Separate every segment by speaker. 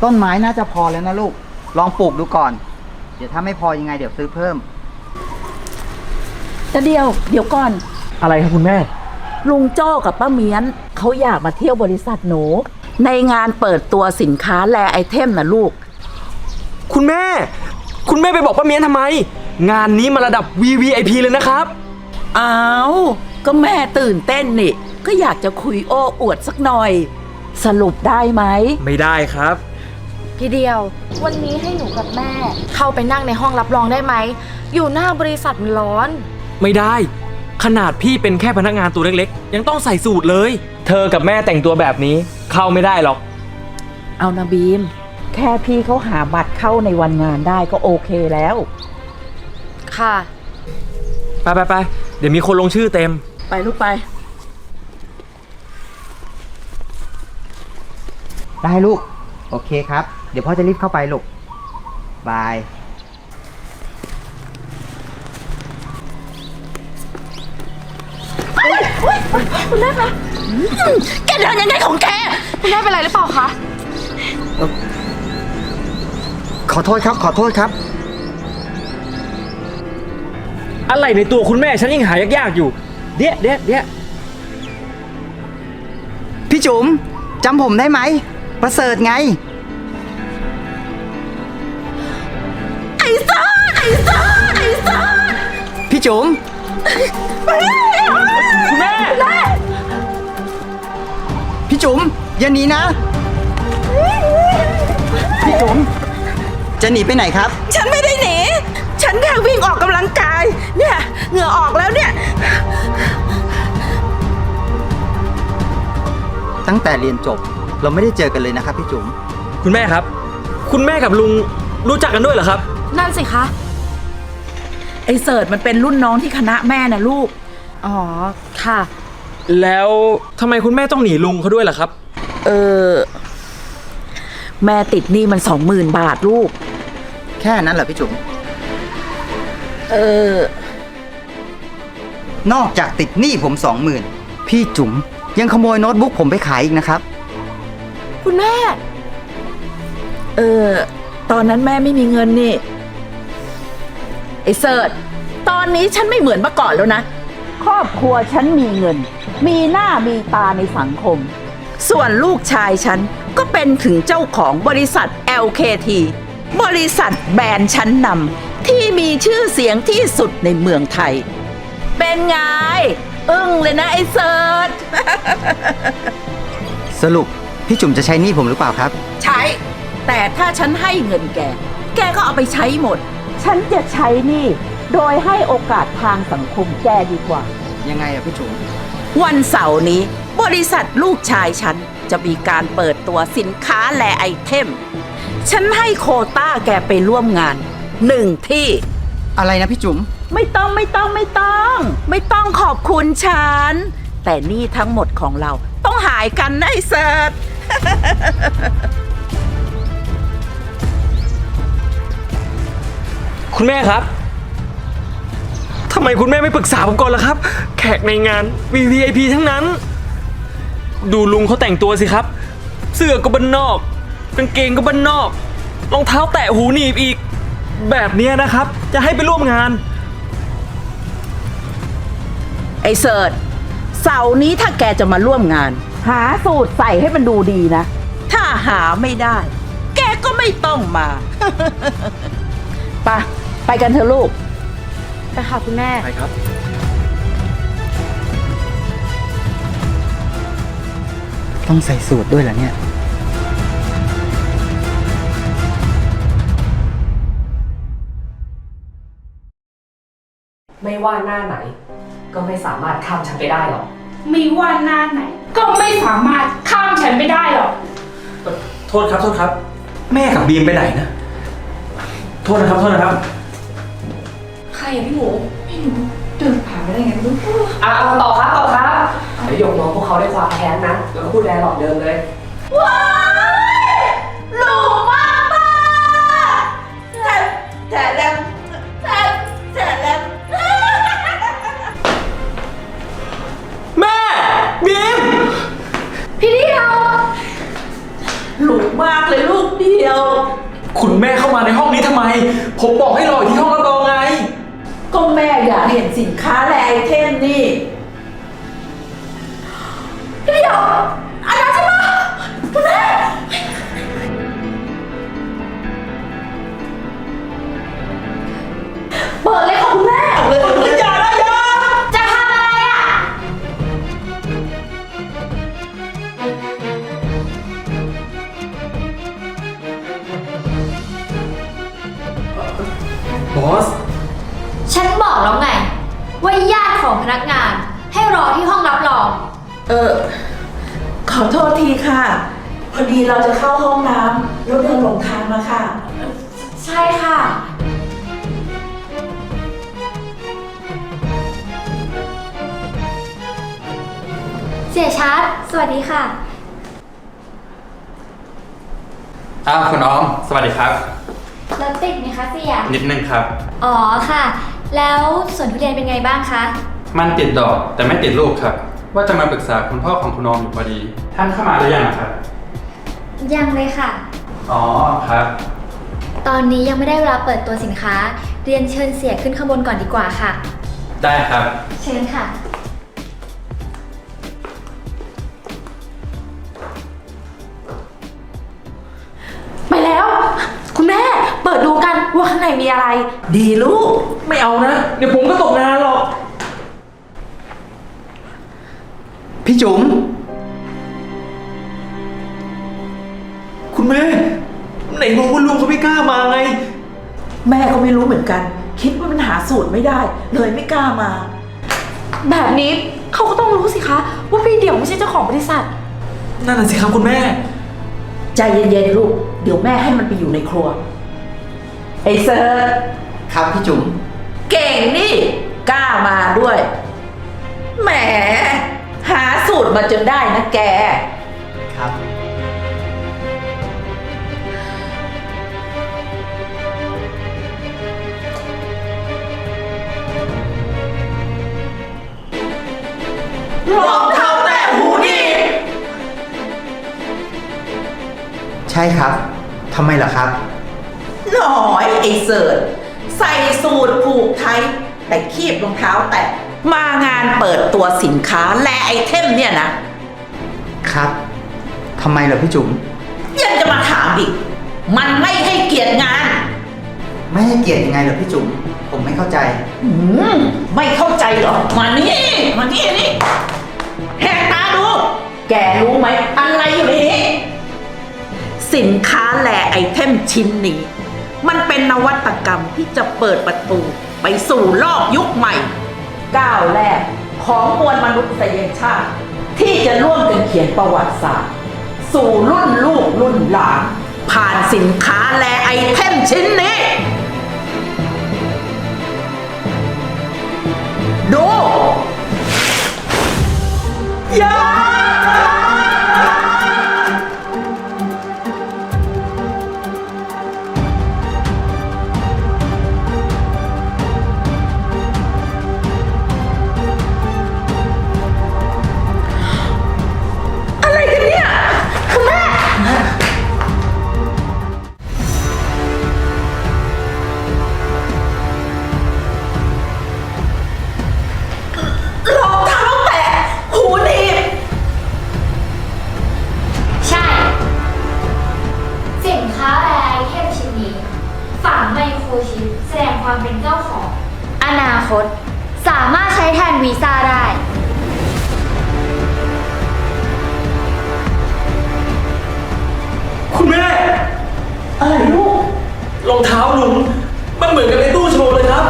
Speaker 1: ต้นไม้น่าจะพอแล้วนะลูกลองปลูกดูก่อนเดี๋ยวถ้าไม่พอยังไงเดี๋ยวซื้อเพิ่ม
Speaker 2: แต่เดี๋ยวก่อน
Speaker 3: อะไรครับคุณแม่
Speaker 2: ลุงโจ้กับป้าเมียนเขาอยากมาเที่ยวบริษัทหนูในงานเปิดตัวสินค้าแลไอเทมนะลูก
Speaker 3: คุณแม่ไปบอกป้าเมียนทำไมงานนี้มาระดับ VVIP เลยนะครับ
Speaker 2: อ้าวก็แม่ตื่นเต้นนี่ก็อยากจะคุยโอ้อวดสักหน่อยสรุปได้ไหม
Speaker 3: ไม่ได้ครับ
Speaker 4: พี่เดียววันนี้ให้หนูกับแม่เข้าไปนั่งในห้องรับรองได้ไหมอยู่หน้าบริษัทมันร้อน
Speaker 3: ไม่ได้ขนาดพี่เป็นแค่พนักงานตัวเล็กๆยังต้องใส่สูทเลยเธอกับแม่แต่งตัวแบบนี้เข้าไม่ได้หรอก
Speaker 2: เอานะบีมแค่พี่เขาหาบัตรเข้าในวันงานได้ก็โอเคแล้ว
Speaker 4: ค่ะ
Speaker 3: ไปเดี๋ยวมีคนลงชื่อเต็ม
Speaker 2: ไปลูกไป
Speaker 1: ได้ลูกโอเคครับเดี๋ยวพ่อจะรีบเข้าไปลูกบาย
Speaker 4: คุณแม่คะแกเดินยังไงของแกคุณแม่เป็นไรหรือเปล่าคะ
Speaker 1: ขอโทษครับ
Speaker 3: อะไรในตัวคุณแม่ฉันยังหายากๆอยู่เดี๋ยว
Speaker 1: พี่จุ๋มจำผมได้ไหมประเสริฐไง
Speaker 2: ไอ้ซ่า
Speaker 1: พี่จุ๋ม
Speaker 3: คุณแม่
Speaker 1: พี่จุ๋มอย่าหนีนะพี่จุ๋มจะหนีไปไหนครับ
Speaker 2: ฉันไม่ได้หนีฉันแค่วิ่งออกกำลังกายเนี่ยเหงื่อออกแล้วเนี่ย
Speaker 1: ตั้งแต่เรียนจบเราไม่ได้เจอกันเลยนะครับพี่จุ๋ม
Speaker 3: คุณแม่ครับคุณแม่กับลุงรู้จักกันด้วยเหรอครับ
Speaker 4: นั่นสิคะ
Speaker 2: ไอ้เสิร์ชมันเป็นรุ่นน้องที่คณะแม่นะลูก
Speaker 4: อ๋อค่ะ
Speaker 3: แล้วทำไมคุณแม่ต้องหนีลุงเขาด้วยล่ะครับ
Speaker 2: แม่ติดหนี้มัน20,000 บาทลูก
Speaker 1: แค่นั้นเหรอพี่จุ๋มนอกจากติดหนี้ผม20,000พี่จุ๋มยังขโมยโน้ตบุ๊กผมไปขายอีกนะครับ
Speaker 4: คุณแม่
Speaker 2: ตอนนั้นแม่ไม่มีเงินนี่ไอ้เสิร์ชตอนนี้ฉันไม่เหมือนเมื่อก่อนแล้วนะครอบครัวฉันมีเงินมีหน้ามีตาในสังคมส่วนลูกชายฉันก็เป็นถึงเจ้าของบริษัท LKT บริษัทแบรนด์ชั้นนำที่มีชื่อเสียงที่สุดในเมืองไทยเป็นไงอึ้งเลยนะไอ้เสิร์ช
Speaker 1: สรุปพี่จุ๋มจะใช้หนี้ผมหรือเปล่าครับ
Speaker 2: ใช้แต่ถ้าฉันให้เงินแกก็เอาไปใช้หมดฉันจะใช้หนี้โดยให้โอกาสทางสังคมแกดีกว่า
Speaker 1: ยังไงอะพี่จุ๋ม
Speaker 2: วันเสาร์นี้บริษัทลูกชายฉันจะมีการเปิดตัวสินค้าแลไอเทมฉันให้โควต้าแกไปร่วมงาน1 ที่
Speaker 1: อะไรนะพี่จุ๋ม
Speaker 2: ไม่ต้องขอบคุณฉันแต่นี่ทั้งหมดของเราต้องหายกันนะไอ้เสิร์ช
Speaker 3: คุณแม่ครับทำไมคุณแม่ไม่ปรึกษาผมก่อนล่ะครับแขกในงาน VVIP ทั้งนั้นดูลุงเขาแต่งตัวสิครับเสื้อก็บ้านนอกกางเกงก็บ้านนอกรองเท้าแตะหูหนีบอีกแบบนี้นะครับจะให้ไปร่วมงาน
Speaker 2: ไอ้เสิร์ชเสาร์นี้ถ้าแกจะมาร่วมงานหาสูตรใส่ให้มันดูดีนะถ้าหาไม่ได้แกก็ไม่ต้องมา ไปกันเถอะลูก
Speaker 4: ไปค่ะคุณแม่
Speaker 3: ไปครับ
Speaker 1: ต้องใส่สูตรด้วยเหรอเนี่ย
Speaker 5: ไม่ว่าหน้าไหนก็ไม่สามารถข้ามฉันไปได้หรอก
Speaker 6: ไม่ว่าหน้าไหนก็ไม่สามารถข้ามฉันไปได้หรอก
Speaker 3: โทษครับแม่กับบีมไปไหนนะโทษนะครับ
Speaker 4: ใครอะพี่หมู
Speaker 6: ไม่รู้เดินผ่านไปได้ไงไม่รู้
Speaker 5: ต่อครับเดี๋ยวยกน้องพวกเขาได้ความแค้นนะแล้วก็พูดแรงหลอกเดิมเลย
Speaker 2: ว้ายหลูมากแต่แล้ว
Speaker 3: แม่บีม
Speaker 4: พี่เดียว
Speaker 2: หลูมมากเลยลูกเดียว
Speaker 3: คุณแม่เข้ามาในห้องนี้ทำไม ผมบอกให้รออยู่ที่ห้องรับรองไง
Speaker 2: ก็แม่อยากเห็นสินค้าและไอเทมนี่เดี๋ยวอันนั้นใช่ปะคุณแม่เปิดเลยค่ะคุณแม่อย่านะอย่า
Speaker 4: จะทำอะไรอ่ะ
Speaker 3: บอส
Speaker 4: ฉันบอกแล้วไง ว่าญาติของพนักงานให้รอที่ห้องรับรอง
Speaker 2: ขอโทษทีค่ะ พอดีเราจะเข้าห้องน้ำแล้วเดินหลงทางมาค่ะ
Speaker 4: ใช่ค่ะ เสียชัด สวัสดีค่ะ
Speaker 7: อ้าวคุณออม สวัสดีครับ
Speaker 4: รถติดไหมคะเสีย
Speaker 7: นิดนึงครับ
Speaker 4: อ๋อค่ะ แล้วสวนทุเรียนเป็นไงบ้างคะ
Speaker 7: มันติดดอกแต่ไม่ติดลูกครับ ว่าจะมาปรึกษาคุณพ่อของคุณออมอยู่พอดี ท่านเข้ามาหรือยังครับ
Speaker 4: ยังเลยค่ะ
Speaker 7: อ๋อครับ
Speaker 4: ตอนนี้ยังไม่ได้เวลาเปิดตัวสินค้า เรียนเชิญเสียขึ้นข้างบนก่อนดีกว่าค่ะ
Speaker 7: ได้ครับ
Speaker 4: เชิญค่ะ
Speaker 2: ไปแล้ว คุณแม่เปิดดูกันว่าข้างในมีอะไร ดีลูก
Speaker 3: ไม่เอานะ เดี๋ยวผมก็ตกงานหรอก
Speaker 1: พี่จุ๋ม
Speaker 3: คุณแม่ ไหนบอกว่าลุงเขาไม่กล้ามาไง
Speaker 2: แม่ก็ไม่รู้เหมือนกัน คิดว่ามันหาสูตรไม่ได้ เลยไม่กล้ามา
Speaker 8: แบบนี้เขาก็ต้องรู้สิคะว่าพี่เดี่ยวไม่ใช่เจ้าของบริษัท
Speaker 3: นั่นน่ะสิครับคุณแม่
Speaker 2: ใจเย็นๆลูก เดี๋ยวแม่ให้มันไปอยู่ในครัว ไอ้เซิร์ช
Speaker 1: ครับพี่จุ๋ม
Speaker 2: เก่งนี่ กล้ามาด้วย แหม หาสูตรมาจนได้นะแก
Speaker 1: ครับ
Speaker 2: รองเท้าแตะหูนี่
Speaker 1: ใช่ครับทำไมล่ะครับ
Speaker 2: หน่อยไอ้เสิร์ชใส่สูตรผูกไทย แต่คีบรองเท้าแตะมางานเปิดตัวสินค้าและไอเทมเนี่ยนะครับ
Speaker 1: ทำไมล่ะพี่จุ๋ม
Speaker 2: ยังจะมาถามอีก มันไม่ให้เกียรติงาน
Speaker 1: ไม่ให้เกียรติยังไงเหรอพี่จุ๋ม ผมไม่เข้าใจ
Speaker 2: ไม่เข้าใจเหรอ มานี่นี่แหกตาดู แกรู้ไหมอะไรอยู่ในนี้สินค้าและไอเทมชิ้นนี้ มันเป็นนวัตกรรมที่จะเปิดประตูไปสู่โลกยุคใหม่ ก้าวแรกของมวลมนุษยชาติ ที่จะร่วมกันเขียนประวัติศาสตร์ สู่รุ่นลูกรุ่นหลาน ผ่านสินค้าและไอเทมชิ้นนี้ ดูอย่าอะไรกันเนี่ยคุณแม่ รองเท้าแตะหูหนีบ
Speaker 4: ใช่ สินค้าและไอเทมชิ้นนี้ ฝังไมโครชิปแสดงความเป็นเจ้าของ อนาคต สามารถใช้แทนวีซ่าได้
Speaker 3: คุณแม่
Speaker 2: อะไรลูก
Speaker 3: รองเท้าลุง มันเหมือนกับในตู้โชว์เลยครับ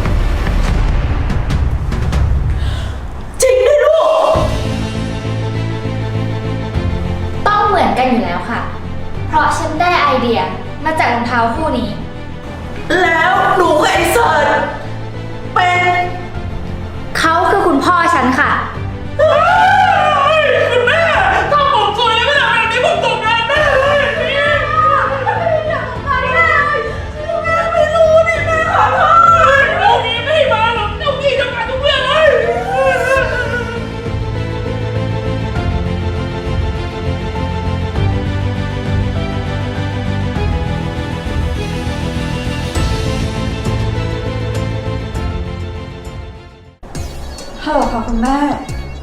Speaker 2: จริงด้วยลูก
Speaker 4: ต้องเหมือนกันอยู่แล้วค่ะ เพราะฉันได้ไอเดียมาจากรองเท้าคู่นี้
Speaker 2: แล้วหนูกับไอ้เสิร์ชเป็น
Speaker 4: เขาคือคุณพ่อฉันค่ะ
Speaker 3: คุณแม่ ถ้าผมสวยไม่ทำแบบนี้ผมตกงานแน่เลย
Speaker 2: ไม่รู้นี่แม่ขอโทษ
Speaker 3: ลูกนี้ไม่มาหรอกเจ้ากี้ทำงานทุกเรื่องเลย
Speaker 2: พ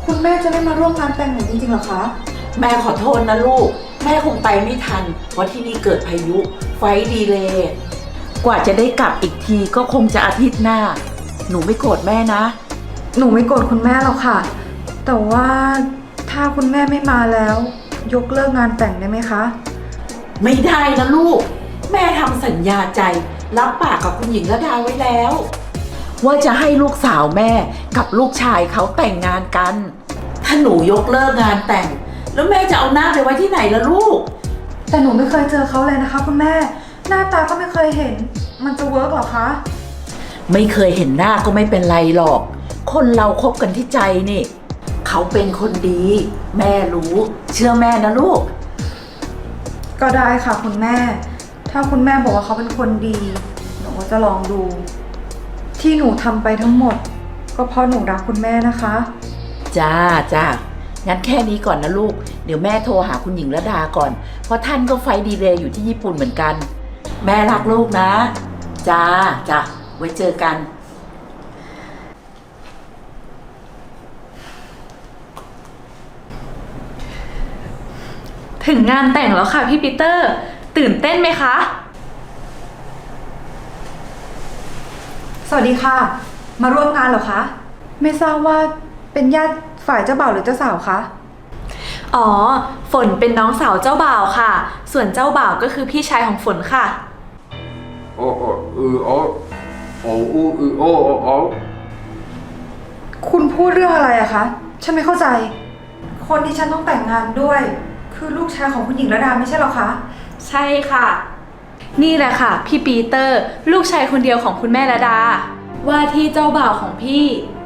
Speaker 8: คุณแม่จะไม่มาร่วมงานแต่งหนูจริงๆเหรอคะ
Speaker 2: แม่ขอโทษนะลูก แม่คงไปไม่ทัน เพราะที่นี่เกิดพายุ ไฟดีเลยกว่าจะได้กลับอีกทีก็คงจะอาทิตย์หน้า หนูไม่โกรธแม่นะ
Speaker 8: หนูไม่โกรธคุณแม่หรอกค่ะ แต่ว่าถ้าคุณแม่ไม่มาแล้ว ยกเลิกงานแต่งได้ไหมคะ
Speaker 2: ไม่ได้นะลูก แม่ทำสัญญาใจ รับปากกับคุณหญิงระดาไว้แล้ว ว่าจะให้ลูกสาวแม่กับลูกชายเขาแต่งงานกัน ถ้าหนูยกเลิกงานแต่ง แล้วแม่จะเอาหน้าไปไว้ที่ไหนล่ะลูก
Speaker 8: แต่หนูไม่เคยเจอเขาเลยนะคะคุณแม่ หน้าตาก็ไม่เคยเห็น มันจะเวิร์กเหรอคะ
Speaker 2: ไม่เคยเห็นหน้าก็ไม่เป็นไรหรอก คนเราคบกันที่ใจนี่ เขาเป็นคนดี แม่รู้ เชื่อแม่นะลูก
Speaker 8: ก็ได้ค่ะคุณแม่ ถ้าคุณแม่บอกว่าเขาเป็นคนดี หนูก็จะลองดู ที่หนูทำไปทั้งหมด ก็เพราะหนูรักคุณแม่นะคะ
Speaker 2: จ้าจ้างั้นแค่นี้ก่อนนะลูก เดี๋ยวแม่โทรหาคุณหญิงระดาก่อน เพราะท่านก็ไฟดีเลย์อยู่ที่ญี่ปุ่นเหมือนกัน แม่รักลูกนะ จ้าจ้าไว้เจอกัน
Speaker 8: ถึงงานแต่งแล้วค่ะพี่ปีเตอร์ ตื่นเต้นไหมคะ สวัสดีค่ะ มาร่วมงานเหรอคะ ไม่ทราบว่าเป็นญาติฝ่ายเจ้าบ่าวหรือเจ้าสาวคะ
Speaker 9: อ๋อ ฝนเป็นน้องสาวเจ้าบ่าวค่ะ ส่วนเจ้าบ่าวก็คือพี่ชายของฝนค่ะ
Speaker 8: คุณพูดเรื่องอะไรอะคะ ฉันไม่เข้าใจ คนที่ฉันต้องแต่งงานด้วย คือลูกชายของคุณหญิงระดาไม่ใช่หรอคะ
Speaker 9: ใช่ค่ะ นี่แหละค่ะ พี่ปีเตอร์ ลูกชายคนเดียวของคุณแม่ระดา ว่าที่เจ้าบ่าวของพี่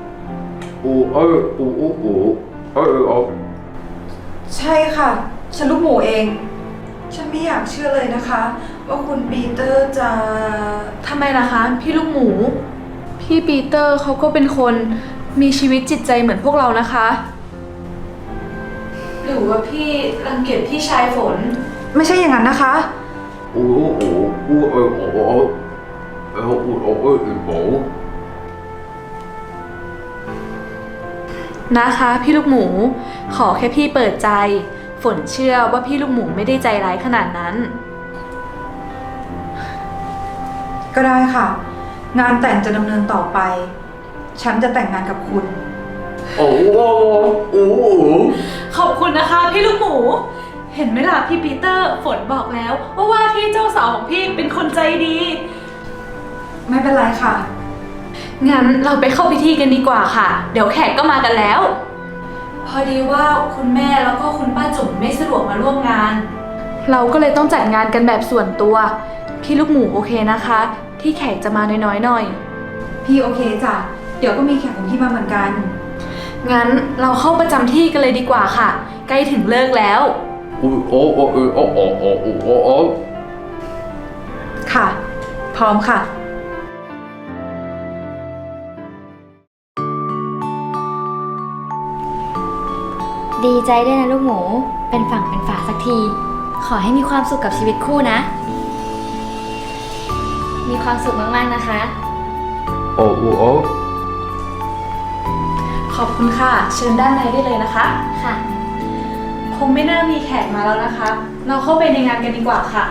Speaker 8: ใช่ค่ะ ฉันลูกหมูเอง ฉันไม่อยากเชื่อเลยนะคะ ว่าคุณปีเตอร์จะ
Speaker 9: ทำไมล่ะคะ พี่ลูกหมู พี่ปีเตอร์เขาก็เป็นคนมีชีวิตจิตใจเหมือนพวกเรานะคะ หรือว่าพี่รังเกียจพี่ชายฝน
Speaker 8: ไม่ใช่อย่างนั้นนะคะ
Speaker 9: นะคะพี่ลูกหมู ขอแค่พี่เปิดใจ ฝนเชื่อว่าพี่ลูกหมูไม่ได้ใจร้ายขนาดนั้น
Speaker 8: ก็ได้ค่ะ งานแต่งจะดำเนินต่อไป ฉันจะแต่งงานกับคุณ
Speaker 9: ขอบคุณนะคะพี่ลูกหมู เห็นไหมล่ะพี่ปีเตอร์ฝนบอกแล้วว่าที่เจ้าสาวของพี่เป็นคนใจดี
Speaker 8: ไม่เป็นไรค่ะ
Speaker 9: งั้นเราไปเข้าพิธีกันดีกว่าค่ะ เดี๋ยวแขกก็มากันแล้ว พอดีว่าคุณแม่แล้วก็คุณป้าจุ๋มไม่สะดวกมาร่วมงาน เราก็เลยต้องจัดงานกันแบบส่วนตัว พี่ลูกหมูโอเคนะคะ ที่แขกจะมาน้อยๆหน่อย
Speaker 8: พี่โอเคจ้ะ เดี๋ยวก็มีแขกของพี่มาเหมือนกัน
Speaker 9: งั้นเราเข้าประจำที่กันเลยดีกว่าค่ะ ใกล้ถึงเลิกแล้ว
Speaker 8: ค่ะ พร้อมค่ะ
Speaker 4: ดีใจด้วยนะลูกหมู เป็นฝั่งเป็นฝาสักที ขอให้มีความสุขกับชีวิตคู่นะ มีความสุขมากๆนะคะ
Speaker 9: ขอบคุณค่ะ เชิญด้านในได้เลยนะคะ
Speaker 4: ค่ะ
Speaker 9: คงไม่น่ามีแขกมาแล้วนะคะ เราเข้าไปในงานกันดีกว่าค่ะ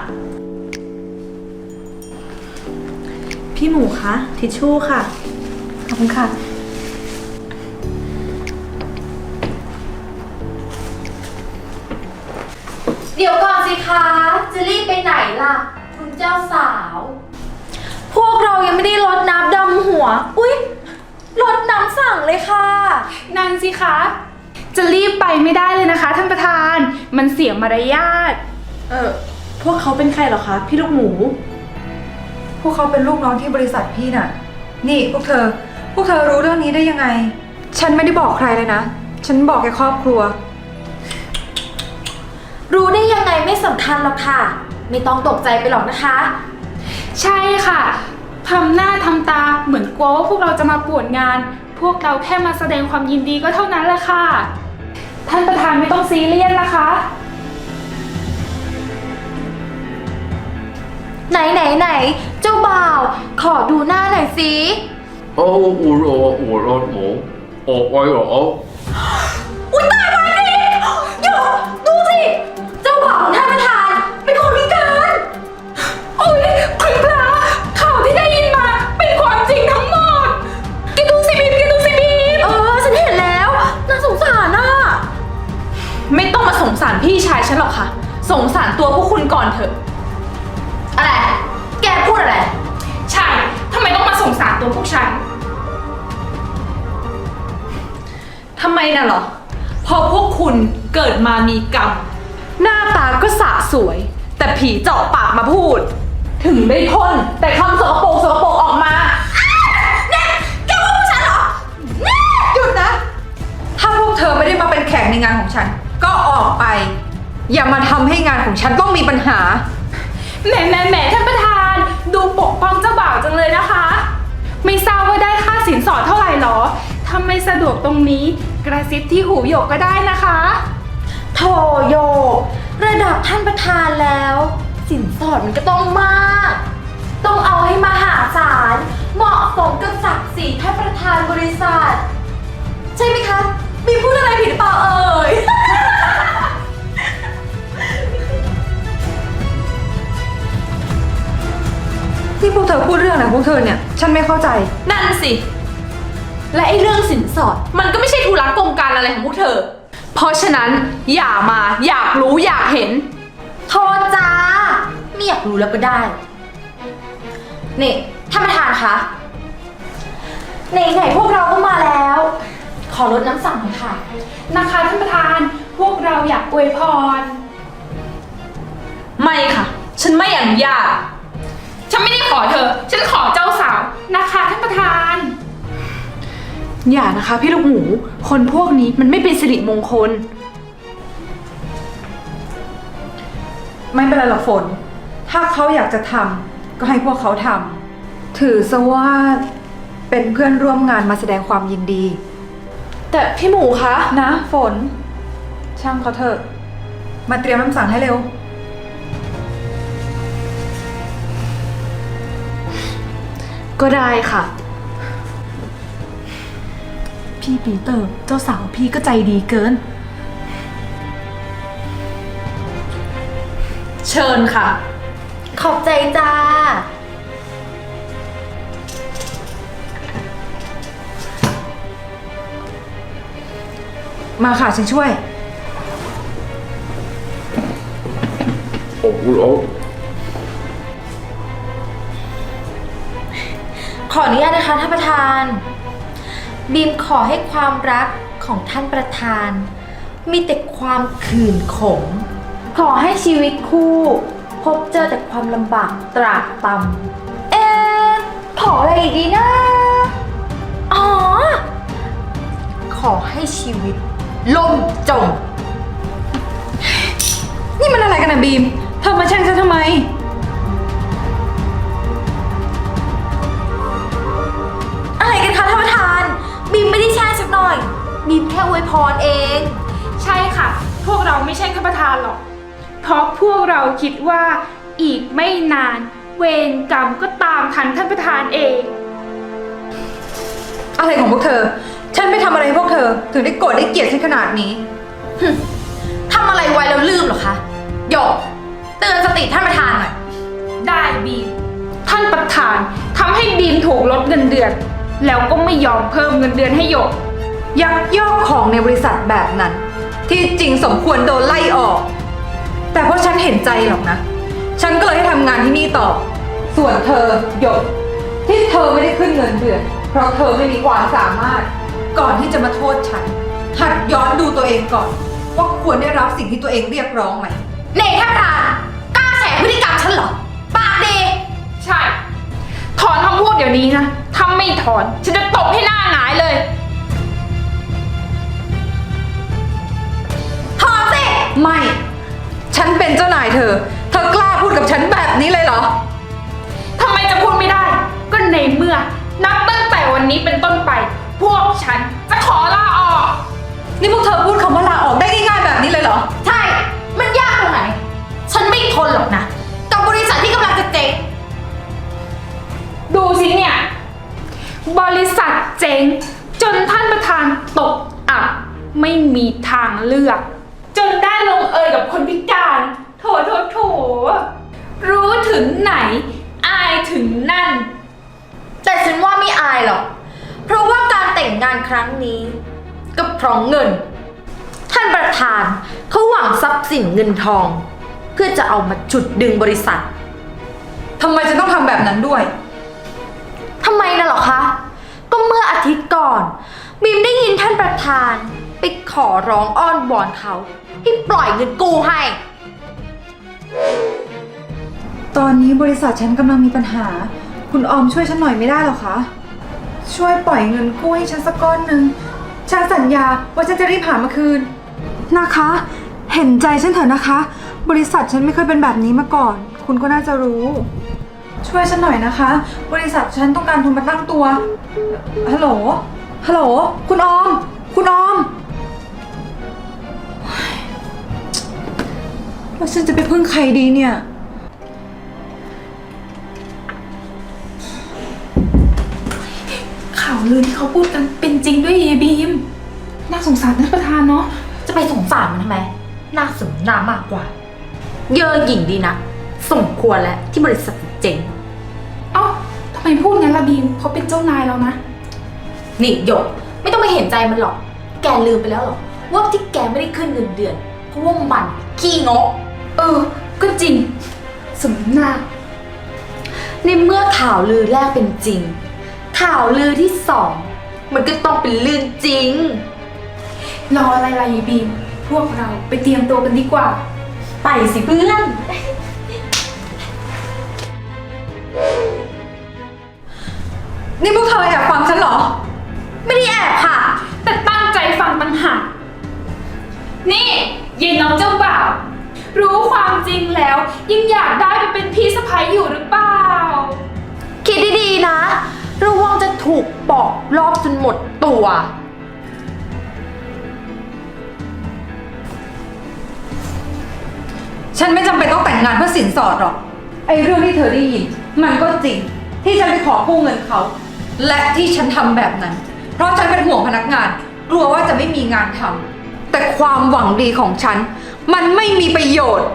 Speaker 9: พี่หมูคะทิชชู่ค่ะ
Speaker 8: ขอบคุณค่ะ
Speaker 4: เดี๋ยวก่อนสิคะ จะรีบไปไหนล่ะ คุณเจ้าสาว
Speaker 9: พวกเรายังไม่ได้รดน้ำดำหัว อุ๊ยรดน้ำสั่งเลยค่ะ
Speaker 6: นั่นสิคะ จะรีบไปไม่ได้เลยนะคะท่านประธาน มันเสียมารยาท
Speaker 9: พวกเขาเป็นใครเหรอคะ พี่ลูกหมู
Speaker 8: พวกเขาเป็นลูกน้องที่บริษัทพี่น่ะ นี่พวกเธอรู้เรื่องนี้ได้ยังไง ฉันไม่ได้บอกใครเลยนะ ฉันบอกแค่ครอบครัว
Speaker 4: รู้ได้ยังไงไม่สำคัญหรอกค่ะ ไม่ต้องตกใจไปหรอกนะคะ
Speaker 6: ใช่ค่ะ ทำหน้าทำตาเหมือนกลัวว่าพวกเราจะมาป่วนงาน พวกเราแค่มาแสดงความยินดีก็เท่านั้นแหละค่ะ ท่านประธานไม่ต้องซีเรียสนะคะ
Speaker 4: ไหน เจ้าบ่าว ขอดูหน้าหน่อยสิ
Speaker 10: 我攞我攞我，我我有。
Speaker 9: ไม่ต้องมาสงสารพี่ชายฉันหรอกค่ะ สงสารตัวพวกคุณก่อนเถอะ
Speaker 4: อะไร แกพูดอะไร
Speaker 6: ใช่ ทำไมต้องมาสงสารตัวพวกฉัน
Speaker 9: ทำไมน่ะเหรอ พอพวกคุณเกิดมามีกรรม หน้าตาก็สะสวย แต่ผีเจาะปากมาพูด ถึงได้พ่นแต่คำสกปรกออกมา
Speaker 8: หยุดนะ ถ้าพวกเธอไม่ได้มาเป็นแขกในงานของฉัน ก็ออกไป อย่ามาทำให้งานของฉันต้องมีปัญหา
Speaker 6: แหมท่านประธาน ดูปกป้องเจ้าบ่าวจังเลยนะคะ ไม่ทราบว่าได้ค่าสินสอดเท่าไหร่หรอ ถ้าไม่สะดวกตรงนี้ กระซิบที่หูหยกก็ได้นะคะ
Speaker 4: โถโยก ระดับท่านประธานแล้ว สินสอดมันก็ต้องมาก ต้องเอาให้มหาศาล เหมาะสมกับศักดิ์ศรีท่านประธานบริษัท ใช่ไหมคะ มีพูดอะไรผิดหรือเปล่าเอ่ย
Speaker 8: ที่พวกเธอพูดเรื่องอะไรของพวกเธอเนี่ย ฉันไม่เข้าใจ
Speaker 9: นั่นสิ และไอ้เรื่องสินสอด มันก็ไม่ใช่ธุระกงการอะไรของพวกเธอ เพราะฉะนั้นอย่ามาอยากรู้อยากเห็น
Speaker 4: โทษจ้าไม่อยากรู้แล้วก็ได้ นี่ท่านประธานคะไหนพวกเราก็มาแล้ว ขอลดน้ำสั่งหน่อยค่ะ
Speaker 6: นะคะท่านประธาน พวกเราอยากอวยพร
Speaker 9: ไม่ค่ะ ฉันไม่อนุญาต
Speaker 6: ฉันไม่ได้ขอเธอ ฉันขอเจ้าสาวนะคะท่านประธาน
Speaker 9: อย่านะคะพี่ลูกหมู คนพวกนี้มันไม่เป็นสิริมงคล
Speaker 8: ไม่เป็นไรหรอกฝน ถ้าเขาอยากจะทำก็ให้พวกเขาทำ ถือซะว่าเป็นเพื่อนร่วมงานมาแสดงความยินดี
Speaker 9: แต่พี่หมูคะ
Speaker 8: นะฝน ช่างเขาเถอะ มาเตรียมน้ำสั่งให้เร็ว
Speaker 9: ก็ได้ค่ะ พี่ปีเตอร์เจ้าสาวพี่ก็ใจดีเกิน เชิญค่ะ
Speaker 4: ขอบใจจ้า
Speaker 8: มาค่ะฉันช่วย
Speaker 4: ขออนุญาตนะคะท่านประธาน บีมขอให้ความรักของท่านประธาน มีแต่ความขื่นขม ขอให้ชีวิตคู่ พบเจอแต่ความลำบากตรากตำขออะไรอีกดีนะ อ๋อ ขอให้ชีวิตล่มจม
Speaker 8: นี่มันอะไรกันนะบีม เธอมาแช่งฉันทำไม
Speaker 4: อะไรกันคะท่านประธาน บีมไม่ได้แช่สักหน่อย บีมแค่อวยพรเอง
Speaker 6: ใช่ค่ะ พวกเราไม่ใช่ท่านประธานหรอก เพราะพวกเราคิดว่าอีกไม่นาน เวรกรรมก็ตามทันท่านประธานเอง
Speaker 8: อะไรของพวกเธอ ฉันไปทำอะไรให้พวกเธอ ถึงได้โกรธได้เกลียดฉันขนาดนี้
Speaker 4: ทำอะไรไว้แล้วลืมเหรอคะหยกเตือนสติท่านประธานหน่อย
Speaker 6: ได้บีม ท่านประธานทำให้บีมถูกลดเงินเดือน แล้วก็ไม่ยอมเพิ่มเงินเดือนให้หยก
Speaker 8: ยักยอกของในบริษัทแบบนั้น ที่จริงสมควรโดนไล่ออก แต่เพราะฉันเห็นใจหรอกนะ ฉันก็เลยให้ทำงานที่นี่ต่อ ส่วนเธอหยกที่เธอไม่ได้ขึ้นเงินเดือน เพราะเธอไม่มีความสามารถ ก่อนที่จะมาโทษฉัน หัดย้อนดูตัวเองก่อน ว่าควรได้รับสิ่งที่ตัวเองเรียกร้องไหม
Speaker 4: เน่ท่านประธานกล้าแฉพฤติกรรมฉันเหรอ ปากดี
Speaker 6: ใช่ ถอนคำพูดเดี๋ยวนี้นะ ถ้าไม่ถอน ฉันจะตบให้หน้าหงายเลย
Speaker 4: ถอนสิ
Speaker 8: ไม่ ฉันเป็นเจ้านายเธอ เธอกล้าพูดกับฉันแบบนี้เลยเหรอ
Speaker 6: ทำไมจะพูดไม่ได้ ก็ในเมื่อ นับตั้งแต่วันนี้เป็นต้นไป พวกฉันจะขอลาออก
Speaker 8: นี่พวกเธอพูดคำว่าลาออกได้ง่ายๆแบบนี้เลยเหรอ
Speaker 4: ใช่ มันยากตรงไหน ฉันไม่ทนหรอกนะ กับบริษัทที่กำลังจะเจ๊ง
Speaker 6: ดูสิเนี่ย บริษัทเจ๊งจนท่านประธานตกอับไม่มีทางเลือก จนได้ลงเอยกับคนพิการ โถ รู้ถึงไหน อายถึงนั่น
Speaker 4: แต่ฉันว่าไม่อายหรอก เพราะว่าการแต่งงานครั้งนี้ ก็เพราะเงิน ท่านประธานย์สินเงินทอง เพื่อจะเอามาฉุดดึงบริษัท
Speaker 8: ทำไมฉันต้องทำแบบนั้นด้วย
Speaker 4: ทำไมน่ะเหรอคะ ก็เมื่ออาทิตย์ก่อนบีมได้ยินท่านประธานไปขอร้องอ้อนวอนเขาให้ปล่อยเงินกู้ให้
Speaker 8: ตอนนี้บริษัทฉันกำลังมีปัญหา คุณออมช่วยฉันหน่อยไม่ได้หรอคะ ช่วยปล่อยเงินกู้ให้ฉันสักก้อนหนึ่งฉันสัญญาว่าฉันจะรีบหามาคืน นะคะ เห็นใจฉันเถอะนะคะ บริษัทฉันไม่เคยเป็นแบบนี้มาก่อน คุณก็น่าจะรู้ ช่วยฉันหน่อยนะคะ บริษัทฉันต้องการทุนมาตั้งตัว ฮัลโหล ฮัลโหล คุณออม คุณออมแล้วฉันจะไปพึ่งใครดีเนี่ย
Speaker 6: ข่าวลือที่เขาพูดกันเป็นจริงด้วยเยบีม น่าสงสารท่านประธานเนาะ
Speaker 4: จะไปสงสารมันทำไม น่าสมน้ามากกว่า เย่อหยิ่งดีนะ สมควรแล้วที่บริษัทเจ๊ง
Speaker 6: เอ้าทำไมพูดงั้นล่ะบีมเขาเป็นเจ้านายแล้วนะ
Speaker 4: นี่หยก ไม่ต้องไปเห็นใจมันหรอก แกลืมไปแล้วหรอ ว่าที่แกไม่ได้ขึ้นเงินเดือน เพราะว่ามันขี้งก
Speaker 6: ก็จริง สมหน้า
Speaker 4: ในเมื่อข่าวลือแรกเป็นจริง ข่าวลือที่สองมันก็ต้องเป็นเรื่องจริง
Speaker 6: รออะไรล่ะเยบีม พวกเราไปเตรียมตัวกันดีกว่า
Speaker 4: ไปสิเพื่อน
Speaker 8: นี่พวกเธอแอบฟังฉันเหรอ
Speaker 4: ไม่ได้แอบค่ะ
Speaker 6: แต่ตั้งใจฟังต่างหากนี่เย็นน้องเจ้าบ่าว รู้ความจริงแล้วยังอยากได้ไปเป็นพี่สะใภ้อยู่หรือเปล่า
Speaker 4: คิดดีๆนะ ระวังจะถูกปอกรอบจนหมดตัว
Speaker 8: ฉันไม่จำเป็นต้องแต่งงานเพื่อสินสอดหรอก ไอ้เรื่องที่เธอได้ยิน มันก็จริง ที่ฉันไปขอกู้เงินเขา และที่ฉันทำแบบนั้น เพราะฉันเป็นห่วงพนักงาน กลัวว่าจะไม่มีงานทำแต่ความหวังดีของฉัน มันไม่มีประโยชน์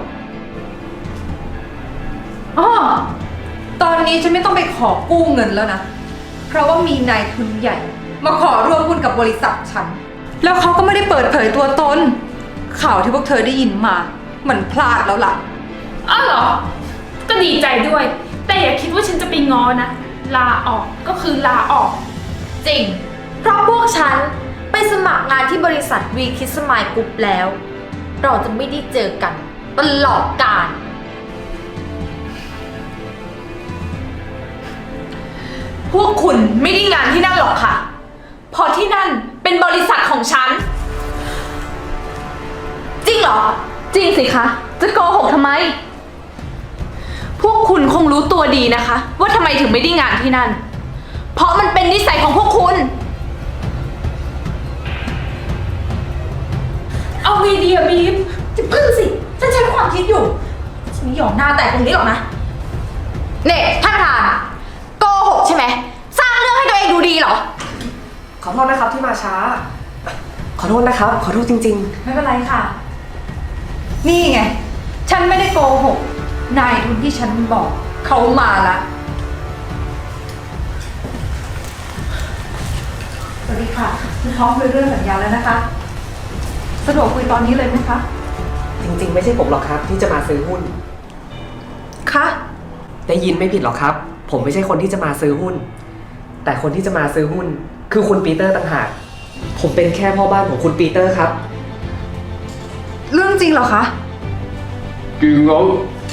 Speaker 8: อ้อตอนนี้ฉันไม่ต้องไปขอกู้เงินแล้วนะ เพราะว่ามีนายทุนใหญ่ มาขอร่วมหุ้นกับบริษัทฉัน แล้วเขาก็ไม่ได้เปิดเผยตัวตน ข่าวที่พวกเธอได้ยินมามันพลาดแล้วล่ะ
Speaker 6: อ้าวเหรอ ก็ดีใจด้วย แต่อย่าคิดว่าฉันจะไปง้อนะ ลาออกก็คือลาออก
Speaker 4: จริง เพราะพวกฉันไปสมัครงานที่บริษัทวีคิสมายกรุ๊ปแล้ว เราจะไม่ได้เจอกันตลอดกาล
Speaker 9: พวกคุณไม่ได้งานที่นั่นหรอกค่ะ เพราะที่นั่นเป็นบริษัทของฉัน
Speaker 4: จริงเหรอ
Speaker 9: จริงสิคะ จะโกหกทำไม พวกคุณคงรู้ตัวดีนะคะ ว่าทำไมถึงไม่ได้งานที่นั่น เพราะมันเป็นนิสัยของพวกคุณ
Speaker 6: เอาไงดีอะบีม
Speaker 4: จะพึ่งสิ ฉันใช้ความคิดอยู่ ฉันไม่ยอมหน้าแตกตรงนี้หรอกนะเนี่ยท่านประธานโกหกใช่ไหม สร้างเรื่องให้ตัวเองดูดีเหรอ
Speaker 5: ขอโทษนะครับที่มาช้า ขอโทษนะครับ ขอโทษจริง
Speaker 8: ไม่เป็นไรค่ะ นี่ไง ฉันไม่ได้โกหก นายทุนที่ฉันบอกเขามาละสวัสดีค่ะคุณพร้อมคุยเรื่องสัญญาแล้วนะคะ สะดวกคุยตอนนี้เลยไหมคะ
Speaker 5: ๆ จริง ๆ ไม่ใช่ผมหรอกครับ ที่จะมาซื้อหุ้น
Speaker 8: คะ
Speaker 5: ได้ยินไม่ผิดหรอกครับ ผมไม่ใช่คนที่จะมาซื้อหุ้น แต่คนที่จะมาซื้อหุ้น คือคุณปีเตอร์ต่างหาก ผมเป็นแค่พ่อบ้านของคุณปีเตอร์ครับ
Speaker 8: เรื่องจริงเหรอคะ
Speaker 10: จริงเหรอ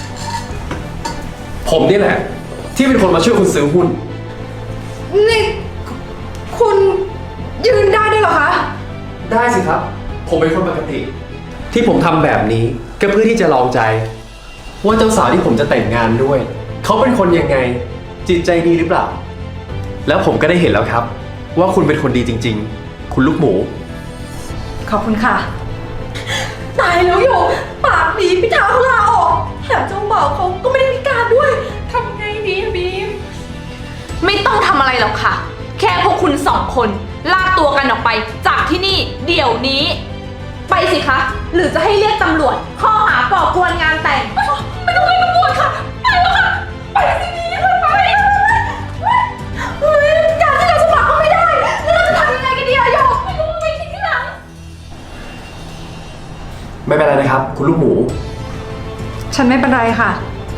Speaker 10: ผมนี่แหละ ที่เป็นคนมาช่วยคุณซื้อหุ้น
Speaker 8: นี่ คุณยืนได้ด้วยเหรอคะ
Speaker 10: ได้สิครับ ผมเป็นคนปกติ ที่ผมทำแบบนี้ก็เพื่อที่จะลองใจ ว่าเจ้าสาวที่ผมจะแต่งงานด้วย เขาเป็นคนยังไง จิตใจดีหรือเปล่า แล้วผมก็ได้เห็นแล้วครับ ว่าคุณเป็นคนดีจริง ๆ คุณลูกหมู
Speaker 8: ขอบคุณค่ะ
Speaker 4: ตายแล้วอยู่ ปากดีพิธาเขาลาออกแถมเจ้าบ่าวเขาก็ไม่ได้พิการด้วย
Speaker 6: ทำไงดีอะบีม
Speaker 9: ไม่ต้องทำอะไรหรอกค่ะ แค่พวกคุณสองคนลากตัวกันออกไปจากที่นี่เดี๋ยวนี้ ไปสิคะ หรือจะให้เรียกตำรวจข้อหาก่อกวนงานแต่ง
Speaker 6: ไม่ต้องเรียกตำรวจค่ะ ไปแล้วค่ะ ไปสิบีมไป
Speaker 4: เฮ้ยการที่เราสมัครก็ไม่ได้ แล้วเราจะทำยังไงกันดีอะโยก
Speaker 6: ไม่รู้ไปคิดที่หลัง
Speaker 10: ไม่เป็นไรนะครับ คุณลูกหมู
Speaker 8: ฉันไม่เป็นไรค่ะ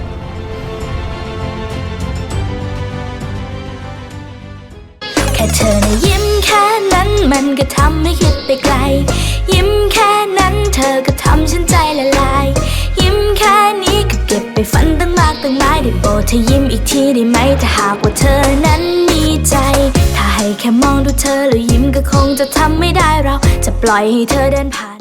Speaker 11: แค่เธอนะยิ้มแค่นั้นมันก็ทำให้คิดไปไกล ยิ้มแค่นั้นเธอก็ทำฉันใจละลาย ยิ้มแค่นี้ก็เก็บไปฝันตั้งมากตั้งหลายได้โปรดเธอยิ้มอีกทีได้ไหมถ้าหากว่าเธอนั้นมีใจ ถ้าให้แค่มองดูเธอแล้วยิ้มก็คงจะทำไม่ได้เราจะปล่อยให้เธอเดินผ่าน